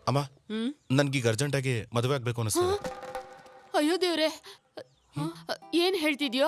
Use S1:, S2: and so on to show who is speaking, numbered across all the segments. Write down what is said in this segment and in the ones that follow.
S1: ಅಮ್ಮ ನನ್ಗೀಗ ಅರ್ಜೆಂಟಾಗಿ ಮದುವೆ ಆಗ್ಬೇಕು ಅನಿಸ್ತದೆ.
S2: ಅಯ್ಯೋ ದೇವ್ರೆ, ಏನ್ ಹೇಳ್ತಿದ್ಯೋ?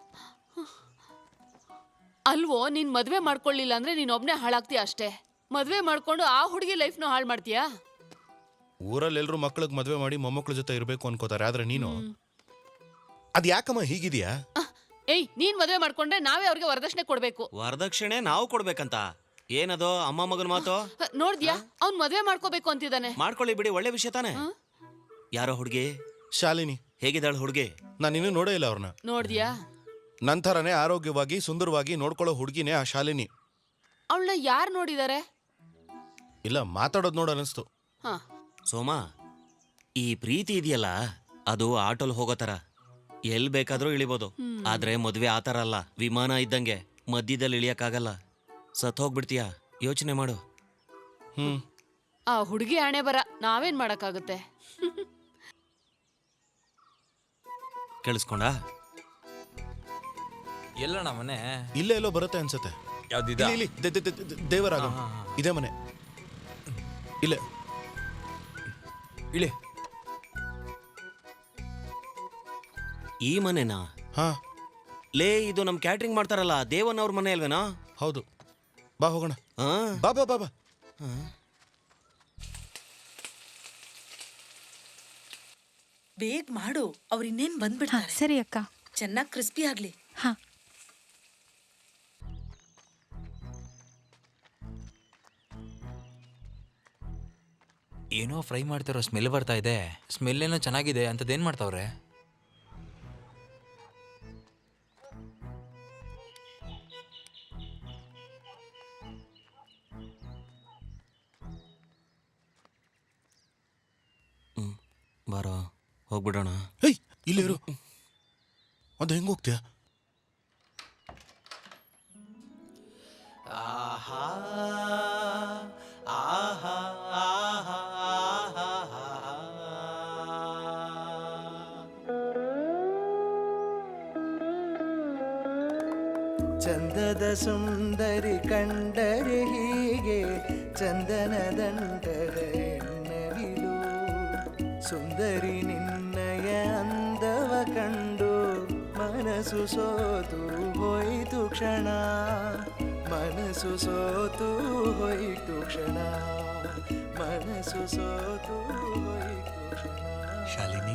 S2: ಅಲ್ವೋ, ನೀನ್ ಮದ್ವೆ ಮಾಡ್ಕೊಳ್ಳಿಲ್ಲ ಅಂದ್ರೆ ನೀನ್ ಒಬ್ನೇ ಹಾಳಾಗ್ತೀಯ ಅಷ್ಟೇ. ಮದ್ವೆ ಮಾಡ್ಕೊಂಡು ಆ ಹುಡುಗಿ ಲೈಫ್ನು ಹಾಳು ಮಾಡ್ತೀಯಾ?
S1: ಊರಲ್ಲಿ ಎಲ್ರು ಮಕ್ಳಿಗೆ ಮದುವೆ ಮಾಡಿ ಮೊಮ್ಮಕ್ಳ ಜೊತೆ ಇರಬೇಕು ಅನ್ಕೋತಾರೆ, ಆದ್ರೆ ನೀನು ಅದ್ ಯಾಕಮ್ಮ ಹೀಗಿದ್ಯಾ?
S2: ಏಯ್, ನೀನ್ ಮದ್ವೆ ಮಾಡ್ಕೊಂಡ್ರೆ ನಾವೇ ಅವ್ರಿಗೆ ವರದಕ್ಷಿಣೆ ಕೊಡ್ಬೇಕು.
S3: ವರದಕ್ಷಿಣೆ ನಾವು ಕೊಡ್ಬೇಕಂತ? ಏನದು ಅಮ್ಮ ಮಗನ ಮಾತು?
S2: ನೋಡ್ದ್ಯಾ, ಅವ್ನ್ ಮದ್ವೆ ಮಾಡ್ಕೋಬೇಕು ಅಂತಿದ್ದಾನೆ.
S3: ಮಾಡ್ಕೊಳ್ಳಿ ಬಿಡಿ, ಒಳ್ಳೆ ವಿಷಯ ತಾನೆ. ಯಾರೋ ಹುಡುಗಿ?
S1: ಶಾಲಿನಿ.
S3: ಹೇಗಿದ್ದಾಳು ಹುಡುಗಿ?
S1: ನಾನು ಇನ್ನೂ ನೋಡೇ ಇಲ್ಲ ಅವ್ರನ್ನ.
S2: ನೋಡ್ದ್ಯಾ?
S1: ನಂತರನೇ ಆರೋಗ್ಯವಾಗಿ ಸುಂದರವಾಗಿ ನೋಡ್ಕೊಳ್ಳೋ ಹುಡುಗಿನೇ ಆ ಶಾಲಿನಿ.
S2: ಅವಳನ್ನ ಯಾರು ನೋಡಿದಾರೆ?
S1: ಇಲ್ಲ, ಮಾತಾಡೋದು ನೋಡ ಅನಿಸ್ತು.
S3: ಸೋಮಾ, ಈ ಪ್ರೀತಿ ಇದೆಯಲ್ಲ, ಅದು ಆಟೋಲ್ ಹೋಗೋ ತರ, ಎಲ್ ಬೇಕಾದ್ರೂ ಇಳಿಬೋದು. ಆದ್ರೆ ಮದ್ವೆ ಆತರ ಅಲ್ಲ, ವಿಮಾನ ಇದ್ದಂಗೆ ಮಧ್ಯದಲ್ಲಿ ಇಳಿಯಕ್ಕಾಗಲ್ಲ. ಸತ್ ಹೋಗ್ಬಿಡ್ತೀಯ, ಯೋಚನೆ ಮಾಡು.
S2: ಆ ಹುಡುಗಿ ಹಣೆ ಬರ, ನಾವೇನ್ ಮಾಡಕ್ಕಾಗುತ್ತೆ?
S3: ಕೇಳಿಸ್ಕೊಂಡ?
S4: ಎಲ್ಲಣ್ಣ ಮನೆ?
S1: ಇಲ್ಲೇ ಎಲ್ಲೋ ಬರುತ್ತೆ ಅನ್ಸುತ್ತೆ.
S4: ಯಾವ್ದಿದೆ?
S1: ಇಲ್ಲಿ ದೇವರಾಗ ಇದೇ ಮನೆ. ಇಲ್ಲೇ
S4: ಇಳಿ.
S3: ಈ ಮನೆನಾ?
S1: ಹಾ.
S3: ಲೇ, ಇದು ನಮ್ ಕ್ಯಾಟ್ರಿಂಗ್ ಮಾಡ್ತಾರಲ್ಲ ದೇವನ್ ಅವ್ರ ಮನೆ ಅಲ್ವೇನಾ?
S1: ಹೌದು, ಬಾ ಹೋಗೋಣ. ಬಾ ಬಾ ಬಾ ಬಾ.
S5: ಬೇಗ ಮಾಡು, ಅವ್ರು ಇನ್ನೇನ್ ಬಂದ್ಬಿಡ್ತಾರೆ.
S6: ಸರಿ ಅಕ್ಕ.
S5: ಚೆನ್ನಾಗಿ ಕ್ರಿಸ್ಪಿ ಆಗ್ಲಿ.
S6: ಹಾ.
S4: ಏನೋ ಫ್ರೈ ಮಾಡ್ತಾರೋ ಸ್ಮೆಲ್ ಬರ್ತಾ ಇದೆ. ಸ್ಮೆಲ್ ಏನೋ ಚೆನ್ನಾಗಿದೆ ಅಂತದೇನ್ ಮಾಡ್ತಾವ್ರೆ?
S3: ಬಾರೋ, ಹೋಗ್ಬಿಡೋಣ.
S1: ಹೇಯ್, ಇಲ್ಲಿರು. ಅದು ಹೆಂಗ್ ಹೋಗ್ತೀಯ?
S7: ಚಂದದ ಸುಂದರಿ ಕಂಡರೆ ಹೀಗೆ ಚಂದನದಂಡದ ಎನ್ನವಿಲು. ಸುಂದರಿ ನಿನ್ನಯ ಅಂದವ ಕಂಡು ಮನಸ್ಸು ಸೋತು ಹೋಯಿತು ಕ್ಷಣ. ಮನಸ್ಸು ಸೋತು ಹೋಯಿತು ಕ್ಷಣ. ಮನಸ್ಸು ಸೋತು ಹೋಯಿತು ಕ್ಷಣ.
S4: ಶಾಲಿನಿ,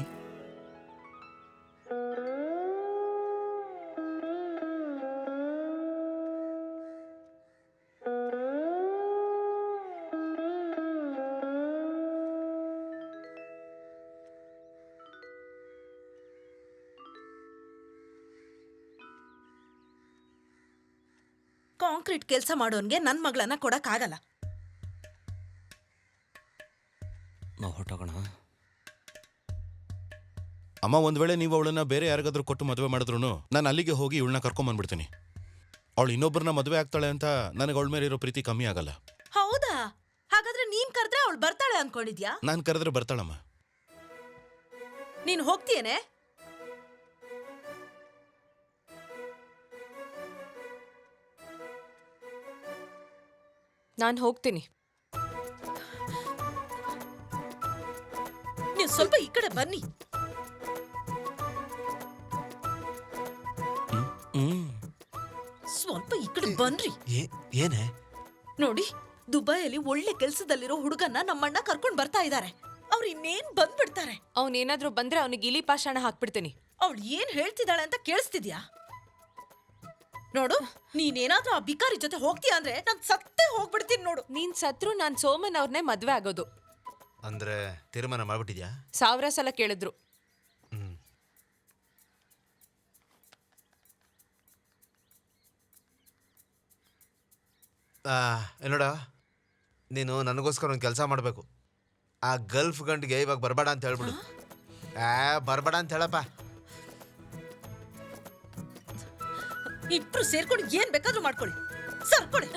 S5: ಕಾಂಕ್ರೀಟ್ ಕೆಲಸ ಮಾಡೋನ್ಗೆ ನನ್ ಮಗಳನ್ನ ಕೊಡಕ್ ಆಗಲ್ಲ.
S3: ನಾವು ಹೊಟ್ಟೋಗೋಣ.
S1: ಅಮ್ಮ, ಒಂದ್ ವೇಳೆ ನೀವು ಅವಳನ್ನ ಬೇರೆ ಯಾರಿಗಾದ್ರೂ ಕೊಟ್ಟು ಮದುವೆ ಮಾಡಿದ್ರು ನಾನು ಅಲ್ಲಿಗೆ ಹೋಗಿ ಇವಳನ್ನ ಕರ್ಕೊಂಬಂದ್ಬಿಡ್ತೀನಿ. ಅವಳು ಇನ್ನೊಬ್ಬರನ್ನ ಮದುವೆ ಆಗ್ತಾಳೆ ಅಂತ ನನಗೆ ಅವಳ ಮೇಲೆ ಇರೋ ಪ್ರೀತಿ ಕಮ್ಮಿ ಆಗಲ್ಲ.
S5: ಹೌದಾ? ಹಾಗಾದ್ರೆ ನೀನ್ ಕರೆದ್ರೆ ಅವಳು ಬರ್ತಾಳೆ ಅನ್ಕೊಂಡಿದ್ಯಾ?
S1: ನಾನು ಕರೆದ್ರೆ ಬರ್ತಾಳಮ್ಮ.
S5: ನೀನ್ ಹೋಗ್ತೀಯೇನೆ?
S2: ನಾನು ಹೋಗ್ತೀನಿ.
S5: ನೀವು ಸ್ವಲ್ಪ ಈ ಕಡೆ ಬನ್ನಿ. ಸ್ವಲ್ಪ ಈ ಕಡೆ ಬನ್ರಿ.
S3: ಏನೇ?
S5: ನೋಡಿ, ದುಬೈಯಲ್ಲಿ ಒಳ್ಳೆ ಕೆಲ್ಸದಲ್ಲಿರೋ ಹುಡುಗನ್ನ ನಮ್ಮಣ್ಣ ಕರ್ಕೊಂಡ್ ಬರ್ತಾ ಇದ್ದಾರೆ. ಅವ್ರು ಇನ್ನೇನ್ ಬಂದ್ಬಿಡ್ತಾರೆ.
S2: ಅವನೇನಾದ್ರೂ ಬಂದ್ರೆ ಅವನಿಗೆ ಇಲಿ ಪಾಷಾಣ ಹಾಕ್ಬಿಡ್ತೀನಿ.
S5: ಅವಳು ಏನ್ ಹೇಳ್ತಿದ್ದಾಳೆ ಅಂತ ಕೇಳಿಸ್ತಿದ್ಯಾ? ನೋಡು, ನೀನೇನಾದ್ರೂ ಆ ಬಿಕಾರಿ ಜೊತೆ ಹೋಗ್ತೀಯ ಅಂದ್ರೆ ನಾನ್ ಸತ್ತೇ ಹೋಗ್ಬಿಡ್ತೀನಿ ನೋಡು.
S2: ನೀನ್ ಸತ್ರು ನಾನ್ ಸೋಮನ್ ಅವ್ರನ್ನೇ ಮದ್ವೆ ಆಗೋದು.
S8: ಅಂದ್ರೆ ತೀರ್ಮಾನ ಮಾಡ್ಬಿಟ್ಟಿದ್ಯಾ?
S2: 1000 ಸಲ ಕೇಳಿದ್ರು.
S8: ನೋಡ, ನೀನು ನನಗೋಸ್ಕರ ಒಂದು ಕೆಲಸ ಮಾಡಬೇಕು. ಆ ಗಲ್ಫ್ ಗಂಟಿಗೆ ಇವಾಗ ಬರಬೇಡ ಅಂತ ಹೇಳ್ಬಿಡು. ಬರಬೇಡ ಅಂತ ಹೇಳಪ್ಪ.
S5: ಇಬ್ರು ಸೇರ್ಕೊಂಡು ಏನ್ ಬೇಕಾದ್ರೂ ಮಾಡ್ಕೊಳ್ಳಿ. ಸರ್ಕೊಳ್ಳಿ.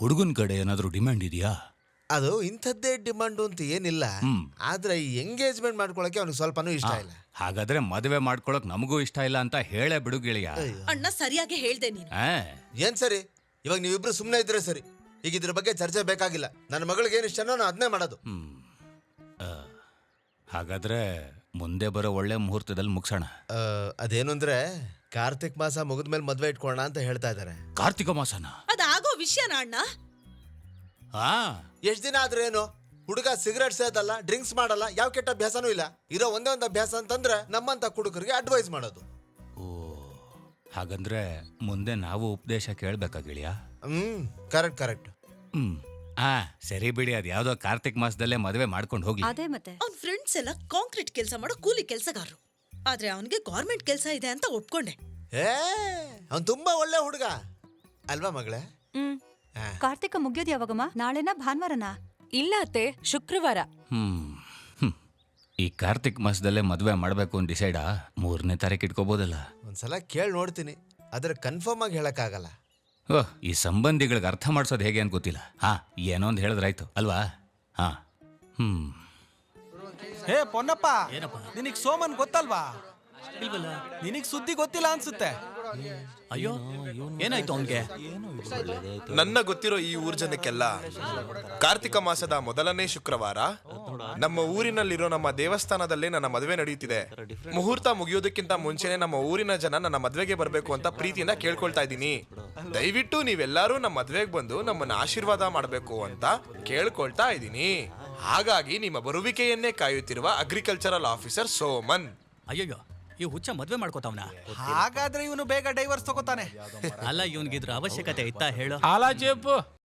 S6: ಹುಡುಗನ ಕಡೆ ಏನಾದರೂ ಡಿಮ್ಯಾಂಡ್ ಇದೆಯಾ?
S8: ಅದು ಇಂಥದ್ದೇ ಡಿಮಾಂಡು ಅಂತ ಏನಿಲ್ಲ, ಆದ್ರೆ ಈ ಎಂಗೇಜ್ಮೆಂಟ್ ಮಾಡ್ಕೊಳಕ್ಕೆ ಅವ್ನಿಗೆ ಸ್ವಲ್ಪನೂ ಇಷ್ಟ ಇಲ್ಲ.
S6: ಹಾಗಾದ್ರೆ ಮದುವೆ ಮಾಡ್ಕೊಳಕ್ ನಮಗೂ ಇಷ್ಟ ಇಲ್ಲ ಅಂತ ಹೇಳೇ ಬಿಡು ಗೆಳೆಯ.
S5: ಅಣ್ಣ ಸರಿಯಾಗಿ ಹೇಳ್ದೆ ನೀನು.
S6: ಆ,
S8: ಏನ್ ಸರಿ, ಇವಾಗ ನೀವಿಬ್ರು ಸುಮ್ಮನೆ ಇದ್ರೆ ಸರಿ. ಈಗ ಇದ್ರ ಬಗ್ಗೆ ಚರ್ಚೆ ಬೇಕಾಗಿಲ್ಲ. ನನ್ನ ಮಗಳಿಗೆ ಏನು ಇಷ್ಟನೋ ನಾನು ಅದನ್ನೇ ಮಾಡೋದು.
S6: ಆ, ಹಾಗಾದ್ರೆ ಮುಂದೆ ಬರೋ ಒಳ್ಳೆ ಮುಹೂರ್ತದಲ್ಲಿ ಮುಗಿಸೋಣ.
S8: ಅದೇನು ಅಂದ್ರೆ ಕಾರ್ತಿಕ್ ಮಾಸ ಮುಗಿದ್ಮೇಲೆ ಮದ್ವೆ ಇಟ್ಕೊಳ್ಳೋಣ ಅಂತ ಹೇಳ್ತಾ ಇದ್ದಾರೆ.
S6: ಕಾರ್ತಿಕ ಮಾಸನ?
S5: ಅದಾಗೋ ವಿಷಯನ ಅಣ್ಣ.
S6: ಹಾ,
S8: ಎಷ್ಟ್ ದಿನ ಆದ್ರೆ ಏನು, ಹುಡುಗ ಸಿಗರೇಟ್ ಸೇದಲ್ಲ, ಡ್ರಿಂಕ್ಸ್ ಮಾಡಲ್ಲ, ಯಾವ ಕೆಟ್ಟ ಅಭ್ಯಾಸನೂ ಇಲ್ಲ. ಇರೋ ಒಂದೇ ಒಂದು ಅಭ್ಯಾಸ ಅಂತಂದ್ರೆ ನಮ್ಮಂತ ಕುಡುಕರಿಗೆ ಅಡ್ವೈಸ್ ಮಾಡೋದು.
S6: ಓ, ಹಾಗಂದ್ರೆ ಮುಂದೆ ನಾವು ಉಪದೇಶ ಕೇಳ್ಬೇಕಾ ಗೆಳೆಯ?
S8: Correct correct.
S6: ಸರಿ ಬಿಡಿ, ಅದು ಯಾವ್ದೋ ಕಾರ್ತಿಕ್ ಮಾಸದಲ್ಲೇ ಮದುವೆ ಮಾಡ್ಕೊಂಡು ಹೋಗ್ಲಿ.
S9: ಅದೇ ಮತ್ತೆ
S5: ಅವ್ನ ಫ್ರೆಂಡ್ಸ್ ಎಲ್ಲ ಕಾಂಕ್ರೀಟ್ ಕೆಲಸ ಮಾಡೋ ಕೂಲಿ ಕೆಲಸಗಾರರು. ಆದ್ರೆ ಅವನಿಗೆ ಗೌರ್ಮೆಂಟ್ ಕೆಲಸ ಇದೆ ಅಂತ ಒಪ್ಕೊಂಡೆ.
S8: ಅವ್ನು ತುಂಬಾ ಒಳ್ಳೆ ಹುಡುಗ ಅಲ್ವಾ ಮಗಳೇ?
S9: ಕಾರ್ತಿಕ ಮುಗಿಯೋದು ಯಾವಾಗಮ್ಮ? ನಾಳೆನಾ ಭಾನುವಾರನಾ?
S10: ಇಲ್ಲ ಅತ್ತೆ, ಶುಕ್ರವಾರ.
S6: ಈ ಕಾರ್ತಿಕ್ ಮಾಸದಲ್ಲೇ ಮದುವೆ ಮಾಡ್ಬೇಕು ಅಂತ ಡಿಸೈಡಾ? 3ನೇ ತಾರೀಕು ಇಟ್ಕೋಬೋದಲ್ಲ?
S8: ಒಂದ್ಸಲ ಕೇಳಿ ನೋಡ್ತೀನಿ, ಆದ್ರೆ ಕನ್ಫರ್ಮ್ ಆಗಿ ಹೇಳಕ್ಕಾಗಲ್ಲ.
S6: ಓಹ್, ಈ ಸಂಬಂಧಿಗಳಿಗೆ ಅರ್ಥ ಮಾಡ್ಸೋದು ಹೇಗೆ ಅಂತ ಗೊತ್ತಿಲ್ಲ. ಏನೋ ಒಂದು ಹೇಳಿದ್ರಾಯ್ತು ಅಲ್ವಾ?
S7: ಹೇ ಪೊನ್ನಪ್ಪ, ನಿನಗ್ ಸೋಮನ್ ಗೊತ್ತಲ್ವಾ? ನಿನಗ್ ಸುದ್ದಿ ಗೊತ್ತಿಲ್ಲ ಅನ್ಸುತ್ತೆ.
S4: ಅಯ್ಯೋ, ಏನಾಯ್ತು ಅವನ್ಗೆ?
S11: ನನ್ನ ಗೊತ್ತಿರೋ ಈ ಊರ್ ಜನಕ್ಕೆಲ್ಲ ಕಾರ್ತಿಕ ಮಾಸದ ಮೊದಲನೇ ಶುಕ್ರವಾರ ನಮ್ಮ ಊರಿನಲ್ಲಿರೋ ನಮ್ಮ ದೇವಸ್ಥಾನದಲ್ಲೇ ನನ್ನ ಮದುವೆ ನಡೆಯುತ್ತಿದೆ. ಮುಹೂರ್ತ ಮುಗಿಯೋದಕ್ಕಿಂತ ಮುಂಚೆನೆ ನಮ್ಮ ಊರಿನ ಜನ ನನ್ನ ಮದ್ವೆಗೆ ಬರಬೇಕು ಅಂತ ಪ್ರೀತಿಯಿಂದ ಕೇಳ್ಕೊಳ್ತಾ ಇದ್ದೀನಿ. ದಯವಿಟ್ಟು ನೀವೆಲ್ಲರೂ ನಮ್ಮ ಮದ್ವೆಗೆ ಬಂದು ನಮ್ಮನ್ನ ಆಶೀರ್ವಾದ ಮಾಡಬೇಕು ಅಂತ ಕೇಳ್ಕೊಳ್ತಾ ಇದ್ದೀನಿ. ಹಾಗಾಗಿ ನಿಮ್ಮ ಬರುವಿಕೆಯನ್ನೇ ಕಾಯುತ್ತಿರುವ ಅಗ್ರಿಕಲ್ಚರಲ್ ಆಫೀಸರ್ ಸೋಮನ್.
S4: ಅಯ್ಯಯ್ಯೋ, ಈ ಹುಚ್ಚ ಮದ್ವೆ ಮಾಡ್ಕೋತಾವ್ನ?
S7: ಹಾಗಾದ್ರೆ ಇವನು ಬೇಗ ಡೈವರ್ಸ್ ತಗೋತಾನೆ.
S4: ಅಲ್ಲ, ಇವನ್ಗಿದ್ರ ಅವಶ್ಯಕತೆ ಇತ್ತಾ ಹೇಳು?
S12: ಅಲ್ಲ ಜೇಪು,